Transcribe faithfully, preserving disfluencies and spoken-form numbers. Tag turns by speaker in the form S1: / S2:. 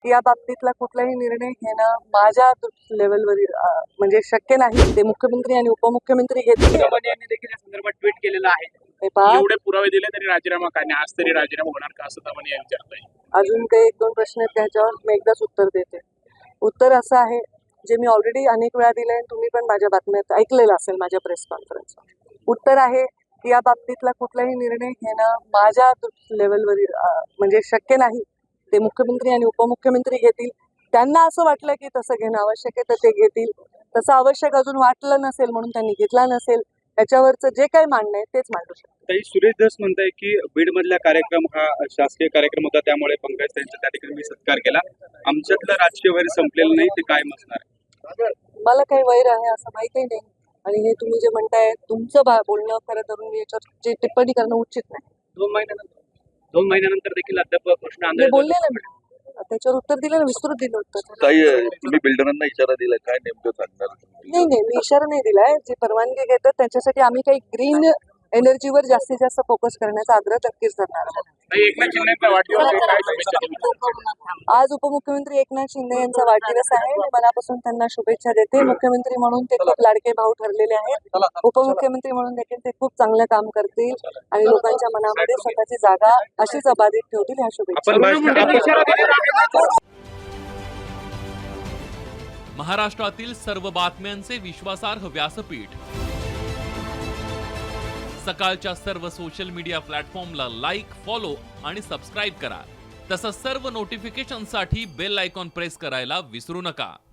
S1: की या बाबतीतला कुठलाही निर्णय घेणं माझ्या लेवलवर म्हणजे शक्य नाही. ते मुख्यमंत्री आणि उपमुख्यमंत्री घेतील.
S2: यांनी देखील या संदर्भात ट्विट केलेलं आहे.
S1: हे पहा,
S2: एवढे पुरावे दिले तरी राजीनामा का नाही, आज तरी राजीनामा होणार का असं दमन यांनी विचारलंय.
S1: अजून काही एक दोन प्रश्न आहेत त्याच्यावर मी एकदाच उत्तर देते. उत्तर असं आहे जे मी ऑलरेडी अनेक वेळा दिलंय आणि तुम्ही पण माझ्या बातम्यात ऐकलेलं असेल माझ्या प्रेस कॉन्फरन्स. उत्तर आहे की या बाबतीतला कुठलाही निर्णय घेणं माझ्या लेवलवर म्हणजे शक्य नाही. ते मुख्यमंत्री आणि उपमुख्यमंत्री घेतील. त्यांना असं वाटलं की तसं घेणं आवश्यक आहे तर ते घेतील. तसं आवश्यक अजून वाटलं नसेल म्हणून त्यांनी घेतला नसेल. त्याच्यावरचं जे काही मांडणं आहे तेच मांडू शकतो.
S2: ताई, सुरेश धस म्हणताय की बीड मधला कार्यक्रम हा शासकीय कार्यक्रम होता, त्यामुळे पंकज त्यांचा त्या ठिकाणी मी सत्कार केला. आमच्यातलं राजकीय वैर संपलेलं नाही, ते कायम असणार आहे.
S1: मला काही वैर आहे असं माहितीही नाही. आणि हे तुम्ही जे म्हणताय तुमचं बा बोलणं खरं तर मी याच्यावर टिप्पणी करणं उचित नाही.
S2: दोन महिन्यानंतर दोन महिन्यानंतर देखील अद्याप प्रश्न
S1: मी बोलले ना, त्याच्यावर उत्तर दिलं ना, विस्तृत दिलं उत्तर.
S3: ताई, तुम्ही बिल्डरांना इशारा दिला, काय नेमकं सांगणार?
S1: नाही नाही मी इशारा नाही दिलाय. जे परवानगी घेतात त्यांच्यासाठी आम्ही काही ग्रीन एनर्जीवर जास्तीत जास्त फोकस करण्याचा आग्रह नक्कीच करणार आहोत.
S2: एकनाथ शिंदेचा वाढदिवस आहे, काय शुभेच्छा देता?
S1: आज उपमुख्यमंत्री एकनाथ शिंदे यांचा वाढदिवस आहे. मी मनापासून त्यांना शुभेच्छा देते. मुख्यमंत्री म्हणून ते खूप लाडके भाऊ ठरलेले आहेत. उपमुख्यमंत्री म्हणून देखील ते खूप चांगलं काम करतील आणि लोकांच्या मनामध्ये स्वतःची जागा अशीच अबाधित ठेवतील. ह्या शुभेच्छा.
S4: महाराष्ट्रातील सर्व बातम्यांचे विश्वासार्ह व्यासपीठ, सकाळच्या सर्व सोशल मीडिया प्लॅटफॉर्मला लाईक, फॉलो आणि सबस्क्राईब करा. तसंच सर्व नोटिफिकेशनसाठी बेल आयकॉन प्रेस करायला विसरू नका.